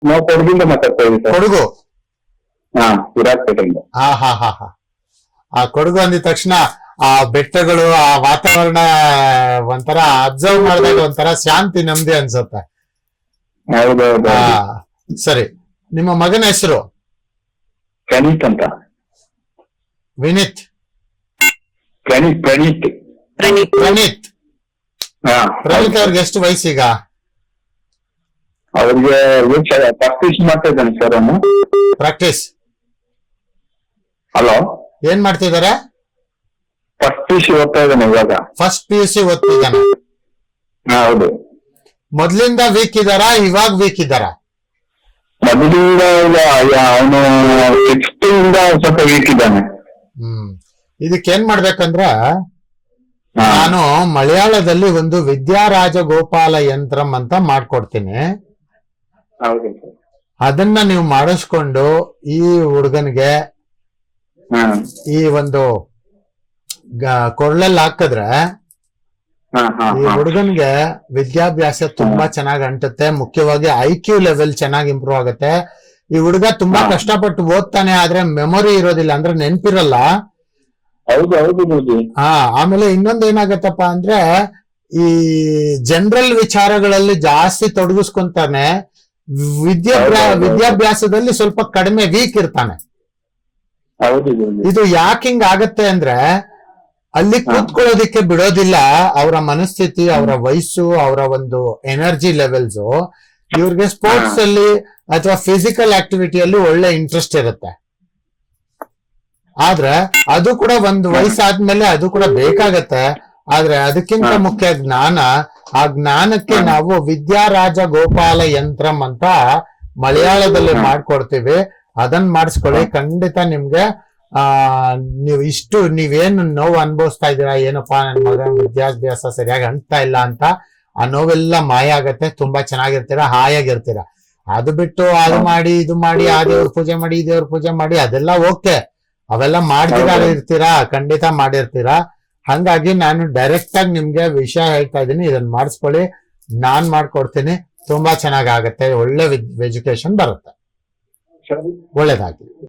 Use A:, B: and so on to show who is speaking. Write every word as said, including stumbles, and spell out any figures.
A: ನಾವು ಕೊಡಗಿಂದ ಮಾತಾಡ್ತಾ ಇದ್ದೀವಿ ಸರ್.
B: ಕೊಡಗು.
A: ಹಾ, ವಿರಾಜಪೇಟೆಯಿಂದ.
B: ಹಾ ಹಾ ಹಾ ಹಾ ಆ ಕೊಡಗು ಅಂದಿದ ತಕ್ಷಣ ಆ ಬೆಟ್ಟಗಳು, ಆ ವಾತಾವರಣ ಒಂಥರ ಅಬ್ಸರ್ವ್ ಮಾಡಿದಾಗ ಒಂಥರ ಶಾಂತಿ, ನೆಮ್ಮದಿ ಅನ್ಸುತ್ತೆ.
A: ಹೌದೌದು.
B: ಆ ಸರಿ, ನಿಮ್ಮ ಮಗನ ಹೆಸರು?
A: ಪ್ರಣೀತ್ ಅಂತ.
B: ವಿನೀತ್?
A: ಪ್ರಣೀತ್ ಪ್ರಣೀತ್
B: ಪ್ರಣೀತ್.
A: ಹಾ.
B: ಪ್ರಣೀತ್ ಅವ್ರಿಗೆ ಎಷ್ಟು ವಯಸ್ಸೀಗ?
A: ಅವ್ರಿಗೆ ಪ್ರಾಕ್ಟೀಸ್ ಮಾಡ್ತಾ ಇದ್ದಾನೆ ಸರ್ ಅವನು.
B: ಪ್ರಾಕ್ಟೀಸ್?
A: ಹಲೋ,
B: ಏನ್ ಮಾಡ್ತಿದ್ದಾರೆ?
A: ಫಸ್ಟ್ ಪಿ ಸಿ ಓದ್ತಾ ಇದ್ದಾನೆ ಇವಾಗ.
B: ಫಸ್ಟ್ ಪಿ ಯು ಸಿ ಓದ್ತಿದ್ದಾನೆ.
A: ಹಾ, ಹೌದು.
B: ಮೊದ್ಲಿಂದ ವೀಕ್ ಇದ್ದಾರಾ, ಇವಾಗ ವೀಕ್ ಇದ್ದಾರಾ?
A: ಮೊದಲಿಂದ ಅವನು ಸಿಕ್ಸ್ತ್ ಇಂದ ಸ್ವಲ್ಪ ವೀಕ್ ಇದ್ದಾನೆ.
B: ಹ್ಮ್ ಇದಕ್ಕೇನ್ ಮಾಡ್ಬೇಕಂದ್ರ,
A: ಹಾ.
B: ನಾನು ಮಲಯಾಳದಲ್ಲಿ ಒಂದು ವಿದ್ಯಾರಾಜಗೋಪಾಲ ಯಂತ್ರಂ ಅಂತ ಮಾಡ್ಕೊಡ್ತೀನಿ.
A: ಹೌದು ಸರ್.
B: ಅದನ್ನ ನೀವು ಮಾಡಿಸ್ಕೊಂಡು ಈ ಹುಡುಗನಿಗೆ
A: ಹಾ.
B: ಈ ಒಂದು ಕೊರಳಲ್ಲಿ ಹಾಕಿದ್ರೆ
A: ಹಾ, ಹಾ,
B: ಈ
A: ಹಾ.
B: ಹುಡುಗನ್ಗೆ ವಿದ್ಯಾಭ್ಯಾಸ ತುಂಬಾ ಚೆನ್ನಾಗಿ ಅಂಟುತ್ತೆ. ಮುಖ್ಯವಾಗಿ ಐ ಕ್ಯೂ ಲೆವೆಲ್ ಚೆನ್ನಾಗಿ ಇಂಪ್ರೂವ್ ಆಗುತ್ತೆ. ಈ ಹುಡುಗ ತುಂಬಾ
A: ಹಾ.
B: ಕಷ್ಟಪಟ್ಟು ಓದ್ತಾನೆ, ಆದ್ರೆ ಮೆಮೊರಿ ಇರೋದಿಲ್ಲ, ಅಂದ್ರೆ ನೆನ್ಪಿರಲ್ಲ.
A: ಹೌದು ಹೌದು ನೋಡಿ.
B: ಹಾ ಆಮೇಲೆ ಇನ್ನೊಂದ್ ಏನಾಗತ್ತಪ್ಪ ಅಂದ್ರೆ, ಈ ಜನರಲ್ ವಿಚಾರಗಳಲ್ಲಿ ಜಾಸ್ತಿ ತೊಡಗಿಸ್ಕೊಂತಾನೆ, ವಿದ್ಯಾಭ್ಯಾಸ
A: ಹೌದು, ಹೌದು.
B: ವಿದ್ಯಾಭ್ಯಾಸದಲ್ಲಿ ಸ್ವಲ್ಪ ಕಡಿಮೆ ವೀಕ್ ಇರ್ತಾನೆ.
A: ಹೌದು ನೋಡಿ.
B: ಇದು ಯಾಕೆ ಹಿಂಗ್ ಆಗತ್ತೆ ಅಂದ್ರೆ, ಅಲ್ಲಿ ಕೂತ್ಕೊಳ್ಳೋದಿಕ್ಕೆ ಬಿಡೋದಿಲ್ಲ. ಅವರ ಮನಸ್ಥಿತಿ, ಅವರ ವಯಸ್ಸು, ಅವರ ಒಂದು ಎನರ್ಜಿ ಲೆವೆಲ್ಸ್, ಇವ್ರಿಗೆ ಸ್ಪೋರ್ಟ್ಸ್ ಅಲ್ಲಿ ಅಥವಾ ಫಿಸಿಕಲ್ ಆಕ್ಟಿವಿಟಿಯಲ್ಲಿ ಒಳ್ಳೆ ಇಂಟ್ರೆಸ್ಟ್ ಇರುತ್ತೆ. ಆದ್ರೆ ಅದು ಕೂಡ ಒಂದು ವಯಸ್ಸಾದ್ಮೇಲೆ ಅದು ಕೂಡ ಬೇಕಾಗತ್ತೆ. ಆದ್ರೆ ಅದಕ್ಕಿಂತ ಮುಖ್ಯ ಜ್ಞಾನ. ಆ ಜ್ಞಾನಕ್ಕೆ ನಾವು ವಿದ್ಯಾರಾಜ ಗೋಪಾಲ ಯಂತ್ರಂ ಅಂತ ಮಲಯಾಳದಲ್ಲಿ ಮಾಡ್ಕೊಡ್ತೀವಿ. ಅದನ್ನ ಮಾಡಿಸ್ಕೊಳ್ಳಿ, ಖಂಡಿತ ನಿಮ್ಗೆ ಆ ನೀವು ಇಷ್ಟು ನೀವೇನು ನೋವು ಅನುಭವಿಸ್ತಾ ಇದ್ದೀರಾ, ಏನಪ್ಪಾ ನನ್ ಮಗನ ವಿದ್ಯಾಭ್ಯಾಸ ಸರಿಯಾಗಿ ಅಂಟ್ತಾ ಇಲ್ಲ ಅಂತ, ಆ ನೋವೆಲ್ಲ ಮಾಯ ಆಗತ್ತೆ. ತುಂಬಾ ಚೆನ್ನಾಗಿರ್ತೀರಾ, ಹಾಯಾಗಿರ್ತೀರಾ. ಅದು ಬಿಟ್ಟು ಅದು ಮಾಡಿ ಇದು ಮಾಡಿ, ಆ ದೇವ್ರ ಪೂಜೆ ಮಾಡಿ ಈ ದೇವ್ರ ಪೂಜೆ ಮಾಡಿ, ಅದೆಲ್ಲ ಓಕೆ, ಅವೆಲ್ಲ ಮಾಡ್ದಿರಾ ಇರ್ತೀರಾ, ಖಂಡಿತ ಮಾಡಿರ್ತೀರಾ. ಹಂಗಾಗಿ ನಾನು ಡೈರೆಕ್ಟ್ ಆಗಿ ನಿಮ್ಗೆ ವಿಷಯ ಹೇಳ್ತಾ ಇದ್ದೀನಿ, ಇದನ್ನ ಮಾಡಿಸ್ಕೊಳ್ಳಿ, ನಾನ್ ಮಾಡ್ಕೊಡ್ತೀನಿ. ತುಂಬಾ ಚೆನ್ನಾಗ್ ಆಗತ್ತೆ, ಒಳ್ಳೆ ಎಜುಕೇಶನ್ ಬರುತ್ತೆ. ಒಳ್ಳೇದಾಗ್ಲಿ.